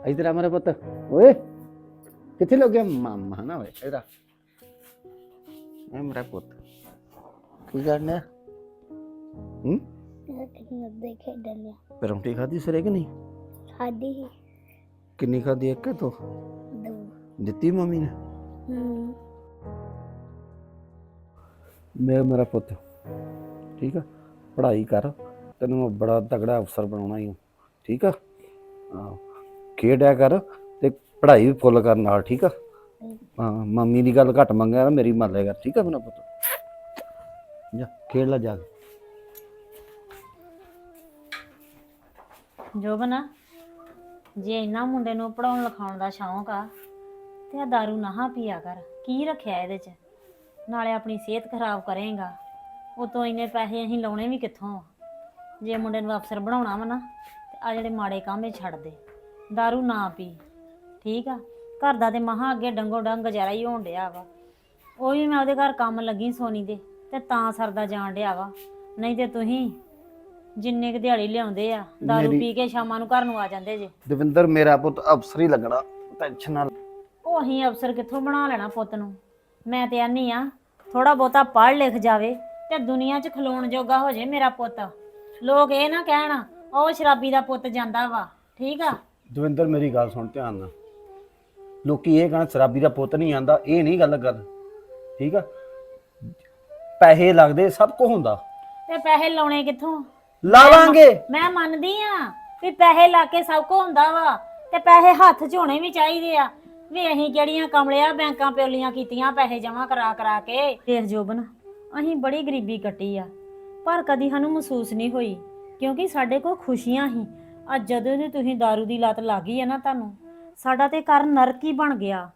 इधर आ मेरा पुत। ओए किथे लग गया मामा ना ओए इधर आ। मेरा पुत की करने परौंठी खाधी सरे कि नहीं खादी ही किन्नी खाधी एक तो दो दित्ती मम्मी ने मेरा पुत ठीक है पढ़ाई कर तेन मैं बड़ा तगड़ा अफसर बनाना ही हूँ ठीक है खेडिया कर ते पढ़ाई भी फुल कर नाल ठीक है हाँ मम्मी की गल घट मंगेगा मेरी मान लिया कर ठीक है मेरा पुत जा खेड ला जाके ਜੋਬਨ ਜੇ ਇੰਨਾ ਮੁੰਡੇ ਨੂੰ ਪੜਾਉਣ ਲਿਖਾਉਣ ਦਾ ਸ਼ੌਂਕ ਆ ਤੇ ਆ ਦਾਰੂ ਨਾ ਪੀਆ ਕਰ ਕੀ ਰੱਖਿਆ ਇਹਦੇ 'ਚ ਨਾਲੇ ਆਪਣੀ ਸਿਹਤ ਖਰਾਬ ਕਰੇਗਾ ਉਤੋਂ ਇੰਨੇ ਪੈਸੇ ਅਸੀਂ ਲਾਉਣੇ ਵੀ ਕਿੱਥੋਂ ਆ ਜੇ ਮੁੰਡੇ ਨੂੰ ਅਫਸਰ ਬਣਾਉਣਾ ਵਾ ਨਾ ਤੇ ਆ ਜਿਹੜੇ ਮਾੜੇ ਕੰਮ ਇਹ ਛੱਡ ਦੇ ਦਾਰੂ ਨਾ ਪੀ ਠੀਕ ਆ ਘਰ ਦਾ ਤੇ ਮਹਾ ਅੱਗੇ ਡੰਗੋ ਡੰਗ ਗੁਜ਼ਾਰਾ ਹੀ ਹੋਣ ਡਿਆ ਵਾ ਉਹ ਵੀ ਮੈਂ ਉਹਦੇ ਘਰ ਕੰਮ ਲੱਗੀ ਸੋਨੀ ਦੇ ਤੇ ਤਾਂ ਸਰਦਾ ਜਾਣ ਡਿਆ ਵਾ ਨਹੀਂ ਤੇ ਤੁਸੀਂ ਜਿੰਨੇ ਕੁ ਦਿਹਾੜੀ ਲਿਆਉਂਦੇ ਆ ਦਾਰੂ ਪੀ ਕੇ ਸ਼ਾਮਾਂ ਨੂੰ ਘਰ ਨੂੰ ਆ ਜਾਂਦੇ ਜੇ ਦਵਿੰਦਰ ਮੇਰਾ ਪੁੱਤ ਅਫਸਰ ਹੀ ਲੱਗਣਾ ਟੈਨਸ਼ਨ ਨਾਲ ਉਹ ਅਸੀਂ ਅਫਸਰ ਕਿੱਥੋਂ ਬਣਾ ਲੈਣਾ ਪੁੱਤ ਨੂੰ ਮੈਂ ਤੇ ਆਨੀ ਆ ਥੋੜਾ ਬਹੁਤਾ ਪੜ੍ਹ ਲਿਖ ਜਾਵੇ ਤੇ ਦੁਨੀਆ 'ਚ ਖਲੋਣ ਜੋਗਾ ਹੋ ਜੇ ਮੇਰਾ ਪੁੱਤ ਲੋਕ ਇਹ ਨਾ ਕਹਿਣ ਉਹ ਸ਼ਰਾਬੀ ਦਾ ਪੁੱਤ ਜਾਂਦਾ ਵਾ ਠੀਕ ਆ ਦਵਿੰਦਰ ਮੇਰੀ ਗੱਲ ਸੁਣ ਧਿਆਨ ਨਾਲ ਲੋਕੀ ਇਹ ਕਹਿਣ ਸ਼ਰਾਬੀ ਦਾ ਪੁੱਤ ਨਹੀਂ ਆਂਦਾ ਇਹ ਨਹੀਂ ਗੱਲ ਠੀਕ ਆ ਪੈਸੇ ਲੱਗਦੇ ਸਭ ਕੁਝ ਹੁੰਦਾ ਤੇ ਪੈਸੇ ਲਾਉਣੇ ਕਿੱਥੋਂ ਲਾਵਾਂਗੇ ਮੈਂ ਮੰਨਦੀ ਆ ਵੀ ਪੈਸੇ ਲਾ ਕੇ ਸਭ ਕੁਝ ਹੁੰਦਾ ਵਾ ਤੇ ਪੈਸੇ ਹੱਥ 'ਚ ਹੋਣੇ ਵੀ ਚਾਹੀਦੇ ਆ ਵੀ ਅਸੀਂ ਕਿਹੜੀਆਂ ਕਮਲਿਆ ਬੈਂਕਾਂ ਪਿਓਲੀਆਂ ਕੀਤੀਆਂ ਪੈਸੇ ਜਮ੍ਹਾਂ ਕਰਾ ਕੇ ਦੇਖ ਜੋਬਨ ਅਸੀਂ ਬੜੀ ਗਰੀਬੀ ਕੱਟੀ ਆ ਪਰ ਕਦੀ ਸਾਨੂੰ ਮਹਿਸੂਸ ਨਹੀਂ ਹੋਈ ਕਿਉਂਕਿ ਸਾਡੇ ਕੋਲ ਖੁਸ਼ੀਆਂ ਸੀ ਅੱਜ ਜਦੋਂ ਦੀ ਤੁਸੀਂ ਦਾਰੂ ਦੀ ਲਤ ਲੱਗੀ ਆ ਨਾ ਤੁਹਾਨੂੰ ਸਾਡਾ ਤੇ ਘਰ ਨਰਕ ਹੀ ਬਣ ਗਿਆ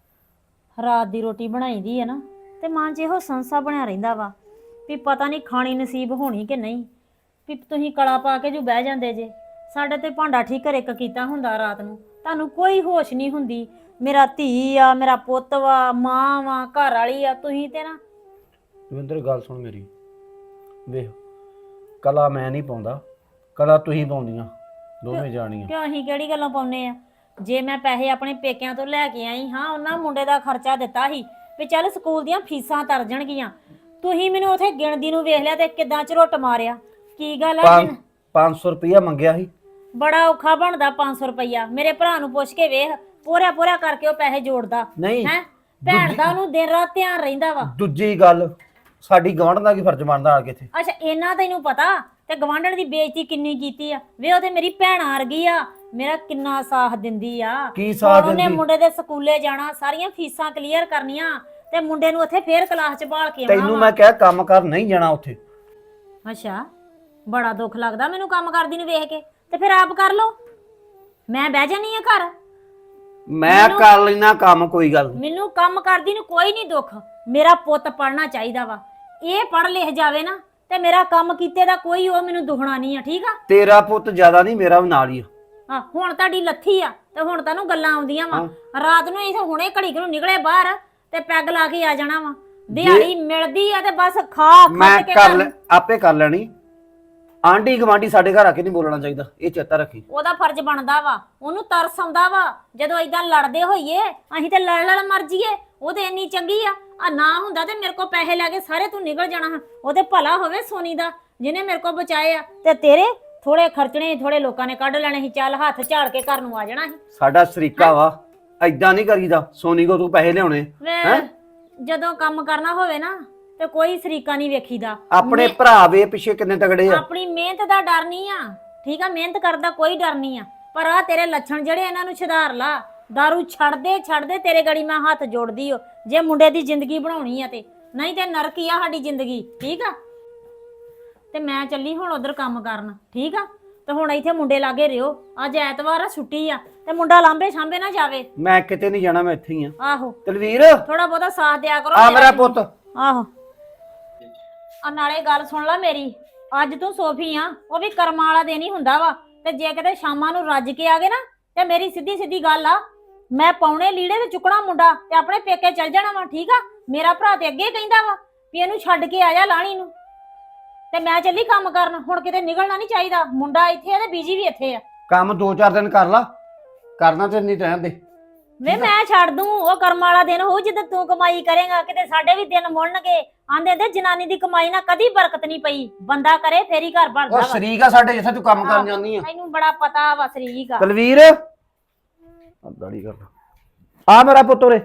ਰਾਤ ਦੀ ਰੋਟੀ ਬਣਾਈਦੀ ਆ ਨਾ ਤੇ ਮਨ 'ਚ ਇਹੋ ਸੰਸਾ ਬਣਿਆ ਰਹਿੰਦਾ ਵਾ ਵੀ ਪਤਾ ਨਹੀਂ ਖਾਣੀ ਨਸੀਬ ਹੋਣੀ ਕਿ ਨਹੀਂ ਵੀ ਤੁਸੀਂ ਕਲਾ ਪਾ ਕੇ ਜੋ ਬਹਿ ਜਾਂਦੇ ਜੇ ਸਾਡੇ ਤੇ ਭਾਂਡਾ ਠੀਕ ਘਰੇ ਇੱਕ ਕੀਤਾ ਹੁੰਦਾ ਰਾਤ ਨੂੰ ਤੁਹਾਨੂੰ ਕੋਈ ਹੋਸ਼ ਨਹੀਂ ਹੁੰਦੀ ਮੇਰਾ ਧੀ ਆ ਮੇਰਾ ਪੁੱਤ ਵਾ ਮਾਂ ਵਾ ਘਰ ਵਾਲੀ ਆ ਤੁਸੀਂ ਤੇ ਨਾ ਦਵਿੰਦਰ ਗੱਲ ਸੁਣ ਮੇਰੀ ਵੇਖ ਕਲਾ ਮੈਂ ਨਹੀਂ ਪਾਉਂਦਾ ਕਲਾ ਤੁਸੀਂ ਪਾਉਂਦੀਆਂ ਦੋਵੇਂ ਜਾਣੀਆਂ ਕਿਉਂ ਅਸੀਂ ਕਿਹੜੀ ਗੱਲਾਂ ਪਾਉਨੇ ਆ ਜੇ ਮੈਂ ਪੈਸੇ ਆਪਣੇ ਪੇਕਿਆਂ ਤੋਂ ਲੈ ਕੇ ਆਈ ਹਾਂ ਉਹਨਾਂ ਮੁੰਡੇ ਦਾ ਖਰਚਾ ਦਿੱਤਾ ਸੀ ਵੀ ਚੱਲ ਸਕੂਲ ਦੀਆਂ ਫੀਸਾਂ ਤਰ ਜਾਣਗੀਆਂ ਤੁਸੀਂ ਮੈਨੂੰ ਉਥੇ ਗਿਣਦੀ ਨੂੰ ਵੇਖ ਲਿਆ ਤੇ ਕਿਦਾਂ ਝਰੁੱਟ ਮਾਰਿਆ ਕੀ ਗੱਲ ਆ 500 ਰੁਪਇਆ ਮੰਗਿਆ ਸੀ ਬੜਾ ਔਖਾ ਬਣਦਾ 500 ਰੁਪਇਆ ਮੇਰੇ ਭਰਾ ਨੂੰ ਪੁੱਛ ਕੇ ਵੇਖ ਪੂਰਾ ਕਰਕੇ ਉਹ ਪੈਸੇ ਜੋੜਦਾ ਨਹੀਂ ਹੈ ਭੈਣ ਦਾ ਉਹਨੂੰ ਦਿਨ ਰਾਤ ਧਿਆਨ ਰਹਿੰਦਾ ਵਾ ਦੂਜੀ ਗੱਲ ਸਾਡੀ ਗਵਾਂਢ ਦਾ ਕੀ ਫਰਜ਼ ਬਣਦਾ ਆ ਕੇ ਇੱਥੇ ਅੱਛਾ ਇਹਨਾਂ ਤੈਨੂੰ ਪਤਾ ਤੇ ਗਵਾਂਢਣ ਦੀ ਬੇਇੱਜ਼ਤੀ ਕਿੰਨੀ ਕੀਤੀ ਆ ਵੇ ਉਹ ਤੇ ਮੇਰੀ ਭੈਣ ਆ ਗਈ ਆ ਮੇਰਾ ਕਿੰਨਾ ਸਾਥ ਦਿੰਦੀ ਆ ਕੀ ਸਾਥ ਉਹਨੇ ਦਿੰਦੀ ਮੁੰਡੇ ਦੇ ਸਕੂਲੇ ਜਾਣਾ ਸਾਰੀਆਂ ਫੀਸਾਂ ਕਲੀਅਰ ਕਰਨੀਆਂ ਤੇ ਮੁੰਡੇ ਨੂੰ ਉੱਥੇ ਫੇਰ ਕਲਾਸ 'ਚ ਬਾਲ ਕੇ ਆਉਣਾ ਤੈਨੂੰ ਮੈਂ ਕਿਹਾ ਕੰਮ ਕਰ ਨਹੀਂ ਜਾਣਾ ਉੱਥੇ ਅੱਛਾ ਬੜਾ ਦੁੱਖ ਲੱਗਦਾ ਮੈਨੂੰ ਕੰਮ ਕਰਦੀ ਨੂੰ ਵੇਖ ਕੇ ਤੇ ਫਿਰ ਆਪ ਕਰ ਲੋ ਮੈਂ ਬਹਿ ਜਾਨੀ ਆ ਘਰ ਮੈਂ ਕਰ ਲੈਣਾ ਕੰਮ ਕੋਈ ਗੱਲ ਮੈਨੂੰ ਕੰਮ ਕਰਦੀ ਨੂੰ ਕੋਈ ਨਹੀਂ ਦੁੱਖ ਮੇਰਾ ਪੁੱਤ ਪੜਨਾ ਚਾਹੀਦਾ ਵਾ ਇਹ ਪੜ ਲਿਖ ਜਾਵੇ ਨਾ ਤੇ ਮੇਰਾ ਕੰਮ ਕੀਤੇ ਦਾ ਕੋਈ ਉਹ ਮੈਨੂੰ ਦੁਖਣਾ ਨਹੀਂ ਆ ਠੀਕ ਆ ਤੇਰਾ ਪੁੱਤ ਜ਼ਿਆਦਾ ਨਹੀਂ ਮੇਰਾ ਵੀ ਨਾਲ ਹੀ ਆ ਹਾਂ ਹੁਣ ਤੁਹਾਡੀ ਲੱਥੀ ਆ ਤੇ ਹੁਣ ਤੁਹਾਨੂੰ ਗੱਲਾਂ ਆਉਂਦੀਆਂ ਵਾ ਰਾਤ ਨੂੰ ਇਹ ਹੁਣੇ ਘੜੀ ਨੂੰ ਨਿਕਲੇ ਬਾਹਰ ਤੇ ਪੈਗ ਲਾ ਕੇ ਆ ਜਾਣਾ ਵਾ ਦਿਹਾੜੀ ਮਿਲਦੀ ਆ ਤੇ ਬਸ ਖਾ ਮੈਂ ਖੱਟ ਕੇ ਕਰ ਆਪੇ ਕਰ ਲੈਣੀ ਆਂਢੀ ਗਵਾਂਢੀ ਸਾਡੇ ਘਰ ਆ ਕੇ ਨਹੀਂ ਬੋਲਣਾ ਚਾਹੀਦਾ ਇਹ ਚੇਤਾ ਰੱਖੀ ਉਹਦਾ ਫਰਜ਼ ਬਣਦਾ ਵਾ ਉਹਨੂੰ ਤਰਸ ਆਉਂਦਾ ਵਾ ਜਦੋਂ ਏਦਾਂ ਲੜਦੇ ਹੋਈਏ ਅਸੀਂ ਤੇ ਲੜ ਮਰ ਜੀਏ ਉਹ ਤੇ ਇੰਨੀ ਚੰਗੀ ਆ ਨਾ ਹੁੰਦਾ ਤੇ ਮੇਰੇ ਕੋਲ ਪੈਸੇ ਲੈ ਕੇ ਸਾਰੇ ਤੂੰ ਨਿਕਲ ਜਾਣਾ ਉਹਦੇ ਭਲਾ ਹੋਵੇ ਸੋਨੀ ਦਾ ਜਿਹਨੇ ਮੇਰੇ ਕੋਲ ਬਚਾਏ ਆ ਤੇ ਤੇਰੇ ਥੋੜੇ ਖਰਚਣੇ ਥੋੜੇ ਲੋਕਾਂ ਨੇ ਕੱਢ ਲੈਣੇ ਸੀ ਚੱਲ ਹੱਥ ਝਾੜ ਕੇ ਘਰ ਨੂੰ ਆ ਜਾਣਾ ਸੀ ਸਾਡਾ ਸਰੀਕਾ ਵਾ ਐਦਾਂ ਨਹੀਂ ਕਰੀਦਾ ਸੋਨੀ ਕੋ ਤੂੰ ਪੈਸੇ ਲਿਆਉਣੇ ਵੇ ਜਦੋਂ ਕੰਮ ਕਰਨਾ ਹੋਵੇ ਨਾ ਤੇ ਕੋਈ ਸਰੀਕਾ ਨਹੀਂ ਵੇਖੀਦਾ ਆਪਣੇ ਭਰਾ ਵੇ ਪਿੱਛੇ ਕਿੰਨੇ ਤਗੜੇ ਆ ਆਪਣੀ ਮਿਹਨਤ ਦਾ ਡਰ ਨਹੀਂ ਆ ਠੀਕ ਆ ਮਿਹਨਤ ਕਰਦਾ ਕੋਈ ਡਰ ਨਹੀਂ ਆ ਪਰ ਆ ਤੇਰੇ ਲੱਛਣ ਜਿਹੜੇ ਇਹਨਾਂ ਨੂੰ ਸੁਧਾਰ ਲਾ ਦਾਰੂ ਛੱਡ ਦੇ ਤੇਰੇ ਗੜੀ ਮੈਂ ਹੱਥ ਜੋੜਦੀ ਓ ਜੇ ਮੁੰਡੇ ਦੀ ਜ਼ਿੰਦਗੀ ਬਣਾਉਣੀ ਆ ਤੇ ਨਹੀਂ ਤੇ ਨਰਕ ਹੀ ਆ ਸਾਡੀ ਜ਼ਿੰਦਗੀ ਠੀਕ ਆ ਤੇ ਮੈਂ ਚੱਲੀ ਹੁਣ ਉਧਰ ਕੰਮ ਕਰਨ ਠੀਕ ਆ ਤੇ ਹੁਣ ਇੱਥੇ ਮੁੰਡੇ ਲਾਗੇ ਰਿਓ ਅੱਜ ਐਤਵਾਰ ਆ ਛੁੱਟੀ ਆ ਤੇ ਮੁੰਡਾ ਲਾਂਬੇ ਛਾਂਬੇ ਨਾ ਜਾਵੇ ਮੈਂ ਕਿਤੇ ਨਹੀਂ ਜਾਣਾ ਮੈਂ ਇੱਥੇ ਹੀ ਆ ਆਹੋ ਤਲਵੀਰ ਥੋੜਾ ਬਹੁਤਾ ਸਾਥ ਦਿਆ ਕਰੋ ਆ ਮੇਰਾ ਪੁੱਤ ਆਹੋ ਆ ਨਾਲੇ ਗੱਲ ਸੁਣ ਲੈ ਮੇਰੀ ਅੱਜ ਤੂੰ ਸੋਫੀ ਆ ਉਹ ਵੀ ਕਰਮਾਂ ਵਾਲਾ ਦਿਨ ਹੀ ਹੁੰਦਾ ਵਾ ਤੇ ਜੇ ਕਿਤੇ ਸ਼ਾਮਾਂ ਨੂੰ ਰੱਜ ਕੇ ਆ ਗਏ ਨਾ ਤੇ ਮੇਰੀ ਸਿੱਧੀ ਗੱਲ ਆ ਮੈਂ ਪਾਉਣੇ ਲੀੜੇ ਤੇ ਚੁੱਕਣਾ ਮੁੰਡਾ ਤੇ ਆਪਣੇ ਪੇਕੇ ਚੱਲ ਜਾਣਾ ਵਾ ਠੀਕ ਆ ਮੇਰਾ ਭਰਾ ਤੇ ਅੱਗੇ ਕਹਿੰਦਾ ਵਾ ਵੀ ਇਹਨੂੰ ਛੱਡ ਕੇ ਆ ਜਾ ਲਾਣੀ ਨੂੰ ਤੇ ਮੈਂ ਚੱਲੀ ਕੰਮ ਕਰਨ ਹੁਣ ਕਿਤੇ ਨਿਕਲਣਾ ਨਹੀਂ ਚਾਹੀਦਾ ਮੁੰਡਾ ਇੱਥੇ ਆ ਤੇ ਬੀਜੀ ਵੀ ਇੱਥੇ ਆ ਕੰਮ 2-4 ਦਿਨ ਕਰ ਲਾ ਕਰਨਾ ਤੇ ਨਹੀਂ ਰਹਿਣ ਦੇ। ਵੇ ਮੈਂ ਛੱਡ ਦੂੰ, ਉਹ ਕਰਮ ਵਾਲਾ ਦਿਨ ਹੋਊ ਜਦੋਂ ਤੂੰ ਕਮਾਈ ਕਰੇਗਾ, ਕਿਤੇ ਸਾਡੇ ਵੀ ਦਿਨ ਮੁੜਨਗੇ। ਆਂਦੇ ਤੇ ਜਨਾਨੀ ਦੀ ਕਮਾਈ ਨਾਲ ਕਦੀ ਬਰਕਤ ਨਹੀਂ ਪਈ, ਬੰਦਾ ਕਰੇ ਫੇਰ ਹੀ ਘਰ ਬਣਦਾ ਉਹ ਵਾ। ਸ਼ਰੀਕ ਆ ਸਾਡੇ, ਜਿੱਥੇ ਤੂੰ ਕੰਮ ਕਰਨ ਜਾਂਦੀ ਆ। ਮੈਨੂੰ ਬੜਾ ਪਤਾ ਵਾ ਸਰੀਕ ਆ। ਕੁਲਵੀਰ ਦਾੜੀ ਕਰ ਆ ਮੇਰਾ ਪੁੱਤ ਉਰੇ।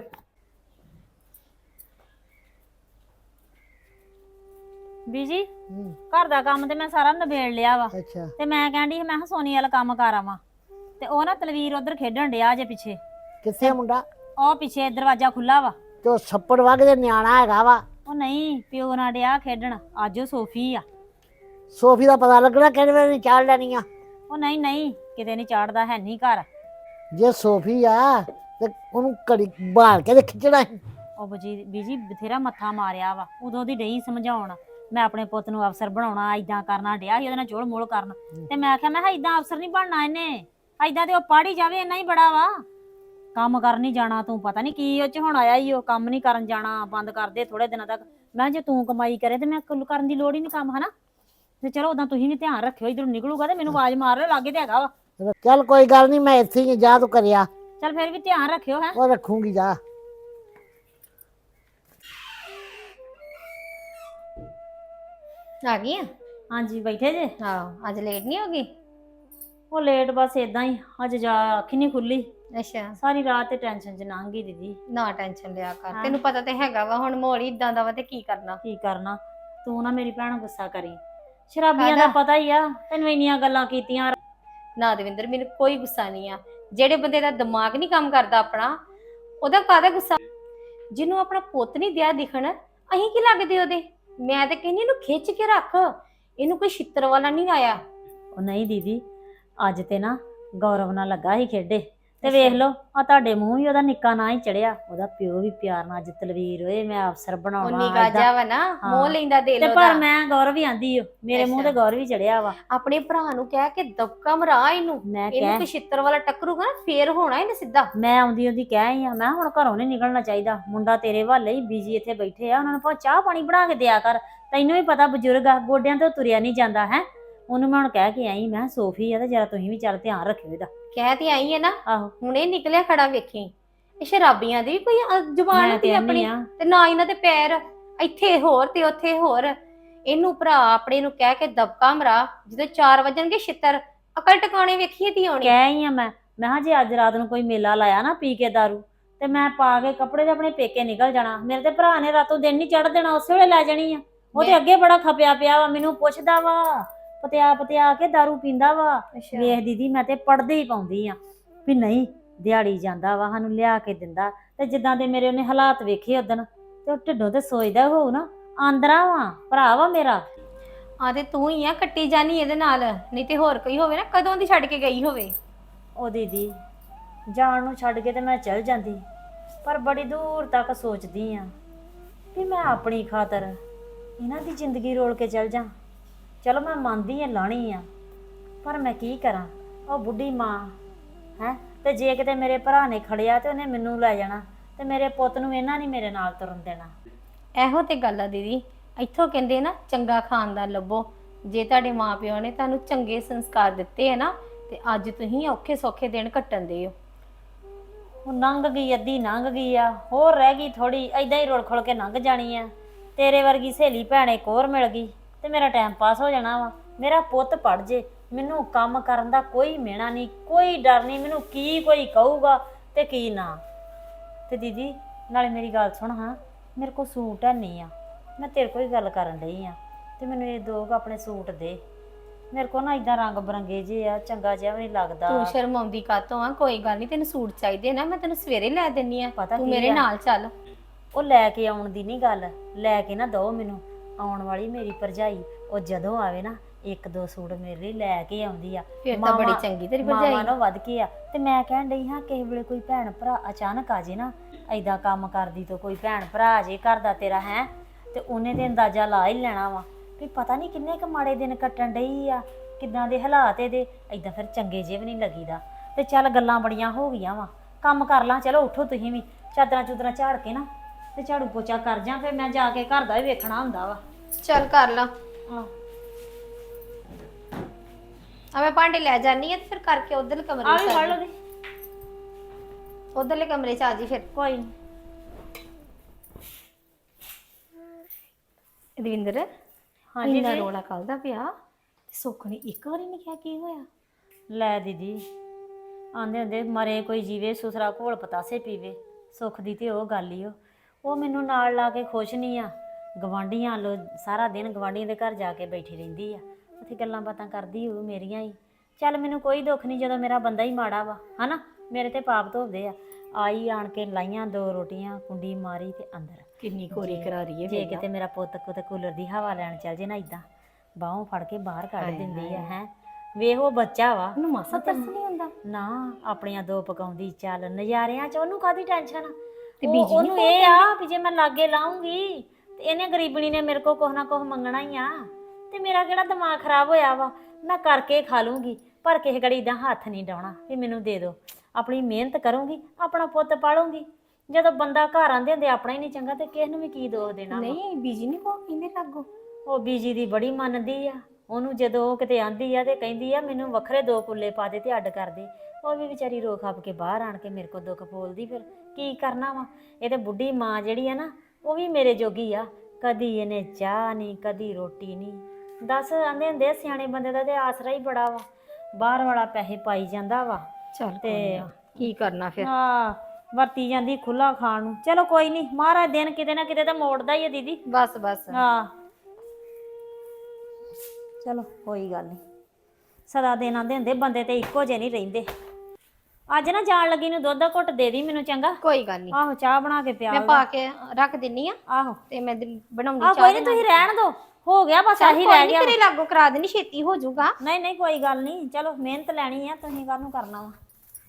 ਬੀਜੀ ਘਰ ਦਾ ਕੰਮ ਤੇ ਮੈਂ ਸਾਰਾ ਨਿਬੇੜ ਲਿਆ ਵਾ। ਅੱਛਾ ਤੇ ਮੈਂ ਕਹਿੰਦੀ ਮੈਂ ਕਿਹਾ ਸੋਨੀ ਵਾਲਾ ਕੰਮ ਕਰ ਆਵਾਂ, ਤੇ ਉਹ ਨਾ ਤਲਵੀਰ ਉਧਰ ਖੇਡਣ ਡਿਆ ਜੇ ਪਿੱਛੇ, ਕਿੱਥੇ ਮੁੰਡਾ? ਉਹ ਪਿੱਛੇ ਦਰਵਾਜ਼ਾ ਖੁੱਲਾ ਵਾ। ਤੇ ਉਹ ਛੱਪੜ ਵਗ ਦੇ ਨਿਆਣਾ ਹੈਗਾ ਵਾ। ਉਹ ਨਹੀਂ ਪਿਓ ਨਾਲ ਡਿਆ ਖੇਡਣ, ਅੱਜ ਉਹ ਸੋਫੀ ਆ। ਸੋਫੀ ਦਾ ਪਤਾ ਲੱਗਣਾ ਕਿਹੜੇ ਵੇਲੇ ਚਾੜ ਲੈਣੀ ਆ। ਉਹ ਨਹੀਂ ਨਹੀਂ ਕਿਤੇ ਨਹੀਂ ਚਾੜਦਾ, ਹੈ ਨਹੀਂ ਘਰ। ਜੇ ਸੋਫੀ ਆ ਤੇ ਉਹਨੂੰ ਘੜੀ ਬਾਲ ਕੇ ਤੇ ਖਿੱਚਣਾ ਸੀ। ਉਹ ਬੀਜੀ ਬਥੇਰਾ ਮੱਥਾ ਮਾਰਿਆ ਵਾ, ਉਦੋਂ ਦੀ ਡਈ ਸਮਝਾਉਣ ਮੈਂ ਆਪਣੇ ਪੁੱਤ ਨੂੰ ਅਫਸਰ ਬਣਾਉਣਾ, ਏਦਾਂ ਕਰਨਾ ਡਿਆ ਸੀ ਉਹਦੇ ਨਾਲ ਚੋਲ ਮੋਲ ਕਰਨ। ਤੇ ਮੈਂ ਆਖਿਆ ਮੈਂ ਏਦਾਂ ਅਫਸਰ ਨਹੀਂ ਬਣਨਾ ਇਹਨੇ, ਏਦਾਂ ਤੇ ਉਹ ਪੜ੍ਹ ਹੀ ਜਾਵੇ, ਇੰਨਾ ਹੀ ਬੜਾ ਵਾ। ਕੰਮ ਕਰਨ ਨਹੀਂ ਜਾਣਾ ਤੂੰ, ਪਤਾ ਨਹੀਂ ਕੀ ਉਹ ਚ ਹੁਣ ਆਇਆ ਹੀ, ਉਹ ਕੰਮ ਨਹੀਂ ਕਰਨ ਜਾਣਾ, ਬੰਦ ਕਰ ਦੇ ਥੋੜੇ ਦਿਨਾਂ ਤੱਕ। ਮੈਂ ਜੇ ਤੂੰ ਕਮਾਈ ਕਰੇ ਤੇ ਮੈਂ ਕਰਨ ਦੀ ਲੋੜ ਹੀ ਨਹੀਂ ਕੰਮ, ਹਨਾ। ਤੇ ਚਲੋ ਉਦਾਂ ਤੁਸੀਂ ਵੀ ਧਿਆਨ ਰੱਖਿਓ, ਇਧਰੋਂ ਨਿਕਲੂਗਾ ਤੇ ਮੈਨੂੰ ਆਵਾਜ਼ ਮਾਰ ਲਿਓ, ਲਾਗੇ ਤੇ ਹੈਗਾ ਵਾ। ਚੱਲ ਕੋਈ ਗੱਲ ਨਹੀਂ, ਮੈਂ ਇੱਥੇ ਹੀ ਜਾ ਤੂੰ ਕਰਿਆ। ਚੱਲ ਫਿਰ ਵੀ ਧਿਆਨ ਰੱਖਿਓ ਹੈ। ਉਹ ਰੱਖੂਗੀ ਜਾ। ਆ ਗਈ ਆ? ਹਾਂਜੀ ਬੈਠੇ ਜੇ? ਹਾਂ, ਅੱਜ ਲੇਟ ਨਹੀਂ ਹੋ ਗਈ? ਉਹ ਲੇਟ ਬਸ ਏਦਾਂ ਹੀ, ਅੱਜ ਜਾ ਅੱਖੀ ਨਹੀਂ ਖੁੱਲੀ, ਅੱਛਾ, ਸਾਰੀ ਰਾਤ ਤੇ ਟੈਨਸ਼ਨ ਚ ਲੰਘ ਗਈ ਦੀਦੀ। ਨਾ ਟੈਨਸ਼ਨ ਲਿਆ ਕਰ, ਹਾਂ। ਤੈਨੂੰ ਪਤਾ ਤੇ ਹੈਗਾ ਵਾ ਹੁਣ ਮਾਹੌਲ ਹੀ ਇਦਾਂ ਦਾ ਵਾ ਤੇ ਕੀ ਕਰਨਾ। ਕੀ ਕਰਨਾ, ਤੂੰ ਨਾ ਮੇਰੀ ਭੈਣ ਗੁੱਸਾ ਕਰੀ, ਸ਼ਰਾਬੀਆਂ ਦਾ ਕਾਹਦਾ? ਪਤਾ ਹੀ ਆ ਤੈਨੂੰ, ਇੰਨੀਆਂ ਗੱਲਾਂ ਕੀਤੀਆਂ। ਨਾ ਦਵਿੰਦਰ, ਮੈਨੂੰ ਕੋਈ ਗੁੱਸਾ ਨਹੀਂ ਆ। ਜਿਹੜੇ ਬੰਦੇ ਦਾ ਦਿਮਾਗ ਨਹੀਂ ਕੰਮ ਕਰਦਾ ਆਪਣਾ, ਉਹਦਾ ਕਾਹਦਾ ਗੁੱਸਾ? ਜਿਹਨੂੰ ਆਪਣਾ ਪੁੱਤ ਨਹੀਂ ਦਿਆ ਦਿਖਣ, ਅਸੀਂ ਕੀ ਲੱਗਦੇ ਉਹਦੇ? ਮੈਂ ਤਾਂ ਕਹਿੰਦੀ ਇਹਨੂੰ ਖਿੱਚ ਕੇ ਰੱਖ, ਇਹਨੂੰ ਕੋਈ ਛਿੱਤਰ ਵਾਲਾ ਨਹੀਂ ਆਇਆ। ਉਹ ਨਹੀਂ ਦੀਦੀ, ਅੱਜ ਤੇ ਨਾ ਗੌਰਵ ਨਾਲ ਲੱਗਾ ਸੀ ਖੇਡੇ, ਤੇ ਵੇਖ ਲਓ ਆ ਤੁਹਾਡੇ ਮੂੰਹ ਵੀ ਉਹਦਾ ਨਿੱਕਾ ਨਾਂ ਹੀ ਚੜਿਆ, ਉਹਦਾ ਪਿਓ ਵੀ ਪਿਆਰ ਨਾਲ ਅੱਜ ਤਲਵੀਰ ਓਏ ਮੈਂ ਅਫਸਰ ਉਹ ਬਣਾਉਣਾ ਨਿੱਕਾ ਏਦਾਂ। ਜਿਹਾ ਵਾ ਨਾ, ਹਾਂ। ਮੋਹ ਲੈਂਦਾ ਦਿਲ ਤੇ ਉਹਦਾ। ਪਰ ਮੈਂ ਗੌਰਵ ਹੀ ਆਂਦੀ ਓ, ਮੇਰੇ ਮੂੰਹ ਤੇ ਅੱਛਾ। ਗੌਰਵ ਹੀ ਚੜਿਆ ਵਾ। ਆਪਣੇ ਭਰਾ ਨੂੰ ਕਹਿ ਕੇ ਦਬਕਾ ਮਰਾ ਇਹਨੂੰ, ਮੈਂ ਇਹਨੂੰ ਕਹਿ ਕੋਈ ਛਿੱਤਰ ਵਾਲਾ ਟੱਕਰੂਗਾ ਨਾ ਫੇਰ ਹੋਣਾ ਇਹਨੇ ਸਿੱਧਾ। ਮੈਂ ਆਉਂਦੀ ਉਹਦੀ ਕਹਿ ਆਈ ਆ, ਮੈਂ ਹੁਣ ਘਰੋਂ ਨਹੀਂ ਨਿਕਲਣਾ ਚਾਹੀਦਾ, ਮੁੰਡਾ ਤੇਰੇ ਵੱਲ ਹੀ ਬੀਜੀ ਇੱਥੇ ਬੈਠੇ ਆ, ਉਹਨਾਂ ਨੂੰ ਭਾਵੇਂ ਚਾਹ ਪਾਣੀ ਬਣਾ ਕੇ ਦਿਆ ਕਰ, ਤੈਨੂੰ ਵੀ ਪਤਾ ਬਜ਼ੁਰਗ ਆ, ਗੋਡਿਆਂ ਤੋਂ ਤੁਰਿਆ ਨਹੀਂ ਜਾਂਦਾ ਹੈ। ਉਹਨੂੰ ਮੈਂ ਹੁਣ ਕਹਿ ਕੇ ਆਈ, ਮੈਂ ਸੋਫੀ ਆ ਤੇ ਜਰਾ ਤੁਸੀਂ ਵੀ ਚੱਲ ਧਿਆਨ ਰੱਖਿਓ ਇਹਦਾ। ਕਹਿ ਤੇ ਆਈ ਹੈ ਨਾ, ਆਹੋ ਹੁਣੇ ਨਿਕਲਿਆ ਖੜਾ ਵੇਖੀ। ਇਹ ਸ਼ਰਾਬੀਆਂ ਦੀ ਵੀ ਕੋਈ ਜ਼ੁਬਾਨ ਮੈਂ ਹੁੰਦੀ ਤੇ ਆਪਣੀ, ਆ ਤੇ ਨਾ ਇਹਨਾਂ ਦੇ ਪੈਰ ਇੱਥੇ ਹੋਰ ਤੇ ਉੱਥੇ ਹੋਰ। ਇਹਨੂੰ ਭਰਾ ਆਪਣੇ ਨੂੰ ਕਹਿ ਕੇ ਦਬਕਾ ਮਰਾ, ਜਦੋਂ 4 ਵਜਣਗੇ ਛਿੱਤਰ ਅਕਲ ਟਿਕਾਣੇ ਵੇਖੀਏ ਤੀ ਆਉਣੀ। ਕਹਿ ਆਈ ਆ ਮੈਂ ਕਿਹਾ ਜੇ ਅੱਜ ਰਾਤ ਨੂੰ ਕੋਈ ਮੇਲਾ ਲਾਇਆ ਨਾ ਪੀ ਕੇ ਦਾਰੂ, ਤੇ ਮੈਂ ਪਾ ਕੇ ਕੱਪੜੇ ਤੇ ਆਪਣੇ ਪੇਕੇ ਨਿਕਲ ਜਾਣਾ। ਮੇਰੇ ਤੇ ਭਰਾ ਨੇ ਰਾਤੋਂ ਦਿਨ ਨਹੀਂ ਚੜ ਦੇਣਾ, ਉਸੇ ਵੇਲੇ ਲੈ ਜਾਣੀ ਆ। ਉਹ ਤੇ ਅੱਗੇ ਬੜਾ ਖਪਿਆ ਪਿਆ ਵਾ, ਮੈਨੂੰ ਪੁੱਛਦਾ ਵਾ, ਪਤਿਆ ਕੇ ਦਾਰੂ ਪੀਂਦਾ ਵਾ। ਵੇਖ ਦੀਦੀ ਮੈਂ ਤੇ ਪੜਦੇ ਹੀ ਪਾਉਂਦੀ ਆ ਵੀ ਨਹੀਂ ਦਿਹਾੜੀ ਜਾਂਦਾ ਵਾ, ਸਾਨੂੰ ਲਿਆ ਕੇ ਦਿੰਦਾ, ਤੇ ਜਿੱਦਾਂ ਦੇ ਮੇਰੇ ਉਹਨੇ ਹਾਲਾਤ ਵੇਖੇ ਉਦਣ, ਤੇ ਉਹ ਢਿੱਡੋਂ ਤੇ ਸੋਚਦਾ ਹੋਊ ਨਾ ਆਂਦਰਾ ਵਾ ਭਰਾ ਵਾ ਮੇਰਾ। ਆ ਤੇ ਤੂੰ ਹੀ ਆ ਕੱਟੀ ਜਾਨੀ ਇਹਦੇ ਨਾਲ, ਨਹੀਂ ਤੇ ਹੋਰ ਕੋਈ ਹੋਵੇ ਨਾ ਕਦੋਂ ਦੀ ਛੱਡ ਕੇ ਗਈ ਹੋਵੇ। ਉਹ ਦੀਦੀ ਜਾਣ ਨੂੰ ਛੱਡ ਕੇ ਤੇ ਮੈਂ ਚਲ ਜਾਂਦੀ, ਪਰ ਬੜੀ ਦੂਰ ਤੱਕ ਸੋਚਦੀ ਆ ਵੀ ਮੈਂ ਆਪਣੀ ਖਾਤਰ ਇਹਨਾਂ ਦੀ ਜ਼ਿੰਦਗੀ ਰੋਲ ਕੇ ਚਲ ਜਾ। ਚਲੋ ਮੈਂ ਮੰਨਦੀ ਆ ਲਾਣੀ ਆ, ਪਰ ਮੈਂ ਕੀ ਕਰਾਂ, ਉਹ ਬੁੱਢੀ ਮਾਂ ਹੈ, ਤੇ ਜੇ ਕਿਤੇ ਮੇਰੇ ਭਰਾ ਨੇ ਖੜਿਆ ਤੇ ਉਹਨੇ ਮੈਨੂੰ ਲੈ ਜਾਣਾ, ਤੇ ਮੇਰੇ ਪੁੱਤ ਨੂੰ ਇਹਨਾਂ ਨਹੀਂ ਮੇਰੇ ਨਾਲ ਤੁਰਨ ਦੇਣਾ। ਇਹੋ ਤੇ ਗੱਲ ਆ ਦੀਦੀ, ਇੱਥੋਂ ਕਹਿੰਦੇ ਨਾ ਚੰਗਾ ਖਾਨਦਾਨ ਲੱਭੋ। ਜੇ ਤੁਹਾਡੇ ਮਾਪਿਓ ਨੇ ਤੁਹਾਨੂੰ ਚੰਗੇ ਸੰਸਕਾਰ ਦਿੱਤੇ ਆ ਨਾ, ਤੇ ਅੱਜ ਤੁਸੀਂ ਔਖੇ ਸੌਖੇ ਦਿਨ ਕੱਟਣ ਦੇ ਹੋ। ਉਹ ਲੰਘ ਗਈ, ਅੱਧੀ ਲੰਘ ਗਈ ਆ, ਹੋਰ ਰਹਿ ਗਈ ਥੋੜੀ, ਐਦਾਂ ਹੀ ਰੁਲ ਖੁਲ ਕੇ ਲੰਘ ਜਾਣੀ ਆ। ਤੇਰੇ ਵਰਗੀ ਸਹੇਲੀ ਭੈਣ ਇੱਕ ਹੋਰ ਮਿਲ ਗਈ ਤੇ ਮੇਰਾ ਟਾਈਮ ਪਾਸ ਹੋ ਜਾਣਾ ਵਾ। ਮੇਰਾ ਪੁੱਤ ਪੜ ਜੇ, ਮੈਨੂੰ ਕੰਮ ਕਰਨ ਦਾ ਕੋਈ ਮਿਹਣਾ ਨਹੀਂ, ਕੋਈ ਡਰ ਨਹੀਂ, ਮੈਨੂੰ ਕੀ ਕੋਈ ਕਹੂਗਾ ਤੇ ਕੀ ਨਾ। ਤੇ ਦੀਦੀ ਨਾਲੇ ਮੇਰੀ ਗੱਲ ਸੁਣ, ਹਾਂ ਮੇਰੇ ਕੋਲ ਸੂਟ ਹੈ ਨਹੀਂ ਆ, ਮੈਂ ਤੇਰੇ ਕੋਲ ਹੀ ਗੱਲ ਕਰਨ ਡਈ ਆ, ਤੇ ਮੈਨੂੰ ਇਹ ਦੋ ਆਪਣੇ ਸੂਟ ਦੇ। ਮੇਰੇ ਕੋਲ ਨਾ ਇਦਾਂ ਰੰਗ ਬਰੰਗੇ ਜੇ ਆ, ਚੰਗਾ ਜਿਹਾ ਵੀ ਨਹੀਂ ਲੱਗਦਾ। ਤੂੰ ਸ਼ਰਮਾਉਂਦੀ ਕਾਤੋਂ ਆ? ਕੋਈ ਗੱਲ ਨਹੀਂ, ਤੈਨੂੰ ਸੂਟ ਚਾਹੀਦੇ ਨਾ, ਮੈਂ ਤੈਨੂੰ ਸਵੇਰੇ ਲੈ ਦਿੰਨੀ ਆ, ਪਤਾ ਤੂੰ ਕੀ ਮੇਰੇ ਆ? ਨਾਲ ਚੱਲ। ਉਹ ਲੈ ਕੇ ਆਉਣ ਦੀ ਨਹੀਂ ਗੱਲ, ਲੈ ਕੇ ਨਾ ਦੋ ਮੈਨੂੰ। ਆਉਣ ਵਾਲੀ ਮੇਰੀ ਭਰਜਾਈ ਉਹ ਜਦੋਂ ਆਵੇ ਨਾ, 1-2 ਸੂਟ ਮੇਰੇ ਲਈ ਲੈ ਕੇ ਆਉਂਦੀ ਆ। ਫਿਰ ਤਾਂ ਬੜੀ ਚੰਗੀ ਤੇਰੀ ਭਰਜਾਈ। ਮਾਵਾਂ ਨੂੰ ਵੱਧ ਕੇ ਆ। ਤੇ ਮੈਂ ਕਹਿਣ ਡਈ ਹਾਂ ਕਿਸੇ ਵੇਲੇ ਕੋਈ ਭੈਣ ਭਰਾ ਅਚਾਨਕ ਆ ਜੇ ਨਾ, ਐਦਾਂ ਕੰਮ ਕਰਦੀ ਤੋਂ ਕੋਈ ਭੈਣ ਭਰਾ ਆ ਜੇ ਘਰ ਦਾ ਤੇਰਾ ਹੈ, ਤੇ ਉਹਨੇ ਤੇ ਅੰਦਾਜ਼ਾ ਲਾ ਹੀ ਲੈਣਾ ਵਾ ਵੀ ਪਤਾ ਨਹੀਂ ਕਿੰਨੇ ਕੁ ਮਾੜੇ ਦਿਨ ਕੱਟਣ ਡਈ ਆ, ਕਿੱਦਾਂ ਦੇ ਹਾਲਾਤ ਇਹਦੇ। ਐਦਾਂ ਫਿਰ ਚੰਗੇ ਜਿਹੇ ਵੀ ਨਹੀਂ ਲੱਗੀਦਾ। ਤੇ ਚੱਲ ਗੱਲਾਂ ਬੜੀਆਂ ਹੋ ਗਈਆਂ ਵਾ, ਕੰਮ ਕਰ ਲਾਂ। ਚਲੋ ਉੱਠੋ ਤੁਸੀਂ ਵੀ, ਚਾਦਰਾਂ ਚੂਦਰਾਂ ਝਾੜ ਕੇ ਨਾ ਤੇ ਝਾੜੂ ਪੋਚਾ ਕਰ ਜਾ, ਫਿਰ ਮੈਂ ਜਾ ਕੇ ਘਰ ਦਾ ਵੀ ਵੇਖਣਾ ਹੁੰਦਾ ਵਾ। ਚੱਲ ਕਰ ਲਾ। ਹਾਂ ਆ ਮੈਂ ਭਾਂਡੇ ਲੈ ਜਾਨੀ ਆ ਤੇ ਫਿਰ ਕਰਕੇ ਉਧਰ ਕਮਰੇ ਆ ਚ ਵੀ ਫੜ ਲਓ ਦੀ। ਉਧਰਲੇ ਕਮਰੇ 'ਚ ਆ ਜੀ ਫਿਰ। ਕੋਈ ਨੀ। ਦਵਿੰਦਰ ਹਾਂਜੀ ਇੰਨਾ ਜੀ। ਰੋਲਾ ਕੱਲ ਦਾ ਪਿਆ ਤੇ ਸੁੱਖ ਨੇ ਇੱਕ ਵਾਰੀ ਨਹੀਂ ਕਿਹਾ ਕੀ ਹੋਇਆ। ਲੈ ਦੀਦੀ, ਆਂਦੇ ਹੁੰਦੇ ਮਰੇ ਕੋਈ ਜੀਵੇ ਸੁਸਰਾ ਘੋਲ ਪਤਾਸੇ ਪੀਵੇ। ਸੁੱਖ ਦੀ ਤੇ ਉਹ ਗੱਲ ਹੀ ਉਹ ਮੈਨੂੰ ਨਾਲ ਲਾ ਕੇ ਖੁਸ਼ ਨਹੀਂ ਆ। ਗਵਾਂਢੀਆਂ ਲੋ ਸਾਰਾ ਦਿਨ ਗਵਾਂਢੀਆਂ ਦੇ ਘਰ ਜਾ ਕੇ ਬੈਠੀ ਰਹਿੰਦੀ ਆ, ਉੱਥੇ ਗੱਲਾਂ ਬਾਤਾਂ ਕਰਦੀ ਹੋਊ ਮੇਰੀਆਂ ਹੀ। ਚੱਲ ਮੈਨੂੰ ਕੋਈ ਦੁੱਖ ਨਹੀਂ ਜਦੋਂ ਮੇਰਾ ਬੰਦਾ ਹੀ ਮਾੜਾ ਵਾ, ਹਨਾ। ਮੇਰੇ ਤੇ ਪਾਪ ਧੋਦੇ ਆ। ਆਈ ਆਣ ਕੇ ਲਾਈਆਂ 2 ਰੋਟੀਆਂ, ਕੁੰਡੀ ਮਾਰੀ ਤੇ ਅੰਦਰ। ਕਿੰਨੀ ਕੋਰੀ ਕਰਾ ਰਹੀ ਹੈ ਜੇ ਕਿਤੇ ਮੇਰਾ ਪੁੱਤ ਕਿਤੇ ਕੂਲਰ ਦੀ ਹਵਾ ਲੈਣ ਚੱਲ ਜੇ ਨਾ, ਇਦਾਂ ਬਾਹੋਂ ਫੜ ਕੇ ਬਾਹਰ ਕੱਢ ਦਿੰਦੀ ਆ। ਹੈ ਵੇਖ ਉਹ ਬੱਚਾ ਵਾ, ਉਹਨੂੰ ਮਾਸਾ ਤਰਸ ਨਹੀਂ ਹੁੰਦਾ। ਨਾ ਆਪਣੀਆਂ 2 ਪਕਾਉਂਦੀ, ਚੱਲ ਨਜ਼ਾਰਿਆਂ 'ਚ ਉਹਨੂੰ ਕਾਹਦੀ ਟੈਨਸ਼ਨ। ਤੇ ਬੀਜੀ ਨੀ ਉਹਨੂੰ ਇਹ ਆ ਵੀ ਜੇ ਮੈਂ ਲਾਗੇ ਲਾਉਂਗੀ ਤੇ ਇਹਨੇ ਗਰੀਬਣੀ ਨੇ ਮੇਰੇ ਕੋਲ ਕੁਛ ਨਾ ਕੁਛ ਮੰਗਣਾ ਹੀ ਆ। ਤੇ ਮੇਰਾ ਕਿਹੜਾ ਦਿਮਾਗ ਖਰਾਬ ਹੋਇਆ ਵਾ, ਮੈਂ ਕਰਕੇ ਖਾ ਲੂੰਗੀ। ਪਰ ਕਿਸੇ ਘੜੀ ਦਾ ਹੱਥ ਨਹੀਂ ਡਾਉਣਾ ਵੀ ਮੈਨੂੰ ਦੇ ਦਿਓ। ਆਪਣੀ ਮਿਹਨਤ ਕਰੂੰਗੀ, ਆਪਣਾ ਪੁੱਤ ਪਾਲੂੰਗੀ। ਜਦੋਂ ਬੰਦਾ ਘਰ ਆਂਦੇ ਹੁੰਦੇ ਆਪਣਾ ਹੀ ਨਹੀਂ ਚੰਗਾ ਤੇ ਕਿਸ ਨੂੰ ਵੀ ਕੀ ਦੋਸ਼ ਦੇਣਾ ਵਾ। ਨਹੀਂ ਬੀਜੀ ਨਹੀਂ ਕੋ ਕਹਿੰਦੇ ਲਾਗੋ। ਉਹ ਬੀਜੀ ਦੀ ਬੜੀ ਮੰਨਦੀ ਆ ਉਹਨੂੰ। ਜਦੋਂ ਉਹ ਕਿਤੇ ਆਂਦੀ ਆ ਤੇ ਕਹਿੰਦੀ ਆ ਮੈਨੂੰ ਵੱਖਰੇ 2 ਕੁੱਲੇ ਪਾ ਦੇ ਤੇ ਅੱਡ ਕਰ ਦੇ। ਉਹ ਵੀ ਵਿਚਾਰੀ ਰੋ ਖੱਪ ਕੇ ਬਾਹਰ ਆਣ ਕੇ ਮੇਰੇ ਕੋਲ ਦੁੱਖ ਬੋਲਦੀ। ਫਿਰ ਕੀ ਕਰਨਾ ਵਾ। ਇਹ ਤੇ ਬੁੱਢੀ ਮਾਂ ਜਿਹੜੀ ਆ ਨਾ, ਉਹ ਵੀ ਮੇਰੇ ਜੋਗੀ ਆ। ਕਦੀ ਇਹਨੇ ਚਾਹ ਨਹੀਂ, ਕਦੀ ਰੋਟੀ ਨਹੀਂ। ਦੱਸ, ਆਂਦੇ ਹੁੰਦੇ ਸਿਆਣੇ ਬੰਦੇ ਦਾ ਤੇ ਆਸਰਾ ਹੀ ਬੜਾ ਵਾ। ਬਾਹਰ ਵਾਲਾ ਪੈਸੇ ਪਾਈ ਜਾਂਦਾ ਵਾ ਚੱਲ ਤੇ ਕੀ ਕਰਨਾ ਫਿਰ। ਹਾਂ ਵਰਤੀ ਜਾਂਦੀ ਖੁੱਲਾ ਖਾਣ ਨੂੰ। ਚਲੋ ਕੋਈ ਨਹੀਂ, ਮਹਾਰਾਜ ਦਿਨ ਕਿਤੇ ਨਾ ਕਿਤੇ ਤਾਂ ਮੋੜਦਾ ਹੀ ਆ ਦੀਦੀ। ਬਸ ਬਸ ਹਾਂ ਚਲੋ ਕੋਈ ਗੱਲ ਨਹੀਂ। ਸਦਾ ਦਿਨ ਆਂਦੇ ਹੁੰਦੇ ਬੰਦੇ ਤੇ ਇੱਕੋ ਜਿਹੇ ਨਹੀਂ ਰਹਿੰਦੇ। ਅੱਜ ਨਾ ਜਾਣ ਲੱਗੀ ਨੂੰ ਦੁੱਧ ਦਾ ਘੁੱਟ ਦੇ ਦੀ ਮੈਨੂੰ, ਚੰਗਾ। ਕੋਈ ਗੱਲ ਨਹੀਂ, ਆਹੋ ਚਾਹ ਬਣਾ ਕੇ ਪਿਆ ਮੈਂ ਪਾ ਕੇ ਰੱਖ ਦਿੰਨੀ ਆ ਆਹੋ ਤੇ ਮੈਂ ਬਣਾਉਂਗੀ ਆਹ ਚਾਹ ਕੋਈ ਨਹੀਂ, ਤੁਸੀਂ ਰਹਿਣ ਦੋ। ਹੋ ਗਿਆ ਬਸ ਆਹੀ ਰਹਿ ਗਿਆ। ਤੇਰੇ ਲਾਗੋ ਕਰਾ ਦੇਣੀ, ਛੇਤੀ ਹੋ ਜਾਊਗਾ। ਨਹੀਂ ਨਹੀਂ ਕੋਈ ਗੱਲ ਨਹੀਂ। ਚਲੋ ਮਿਹਨਤ ਲੈਣੀ ਆ, ਤੁਸੀਂ ਕਾਹਨੂੰ ਕਰਨਾ ਵਾ।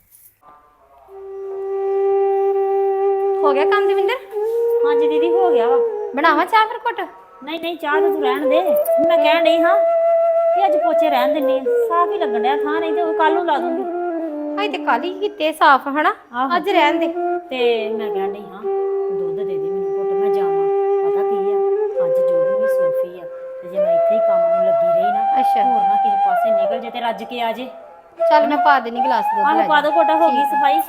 ਹੋ ਗਿਆ ਕੰਮ ਦਵਿੰਦਰ? ਹਾਂਜੀ ਦੀਦੀ ਹੋ ਗਿਆ ਵਾ। ਬਣਾਵਾਂ ਚਾਹ ਫਿਰ ਘੁੱਟ? ਨਹੀਂ ਨਹੀਂ ਚਾਹ ਤਾਂ ਤੂੰ ਰਹਿਣ ਦੇ। ਮੈਂ ਕਹਿਣ ਡਈ ਹਾਂ ਕਿ ਅੱਜ ਪੋਚੇ ਰਹਿਣ ਦਿੰਨੀ ਆ, ਸਾਫ ਹੀ ਲੱਗਣ ਡਿਆ ਥਾਂ। ਨਹੀਂ ਤੇ ਉਹ ਕੱਲ ਨੂੰ ਲਾ ਦੂੰਗੀ। ਹਾਈ ਤੇ ਕੱਲ ਹੀ ਕੀਤੇ ਸਾਫ਼ ਹਨਾ, ਆਹੋ। ਅੱਜ ਰਹਿਣ ਦੇ। ਤੇ ਮੈਂ ਕਹਿਣ ਡਈ ਹਾਂ ਦੁੱਧ ਦੇ ਦੇ ਮੈਨੂੰ ਘੁੱਟ, ਮੈਂ ਜਾਵਾਂ। ਪਤਾ ਕੀ ਆ, ਅੱਜ ਜੋ ਵੀ ਸੋਫੀ ਆ ਤੇ ਜੇ ਮੈਂ ਇੱਥੇ ਹੀ ਕੰਮ ਨੂੰ ਲੱਗੀ ਰਹੀ ਨਾ, ਅੱਛਾ ਹੋਰ ਨਾ ਕਿਸੇ ਪਾਸੇ ਨਿਕਲ ਜੇ ਤੇ ਰੱਜ ਕੇ ਆ ਜੇ। ਚੱਲ ਮੈਂ ਪਾ ਦੇਣੀ ਗਲਾਸ ਦੁੱਧ ਆਹ ਲੈ ਪਾ ਦੋ ਘੁੱਟ, ਹੋ ਗਈ ਸਫਾਈ।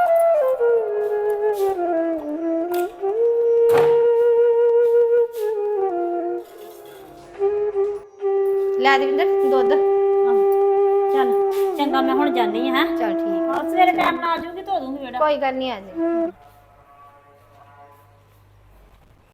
ਲੈ ਦਵਿੰਦਰ ਦੁੱਧ। ਚੱਲ ਚੰਗਾ, ਮੈਂ ਹੁਣ ਜਾਂਦੀ ਹਾਂ। ਚੱਲ ਠੀਕ ਸਵੇਰੇ ਟਾਈਮ ਨਾਲ ਆ ਜਾਊਗੀ, ਧੋ ਦੂੰਗੀ ਬੇੜਾ। ਕੋਈ ਗੱਲ ਨਹੀਂ, ਆ ਜਾ।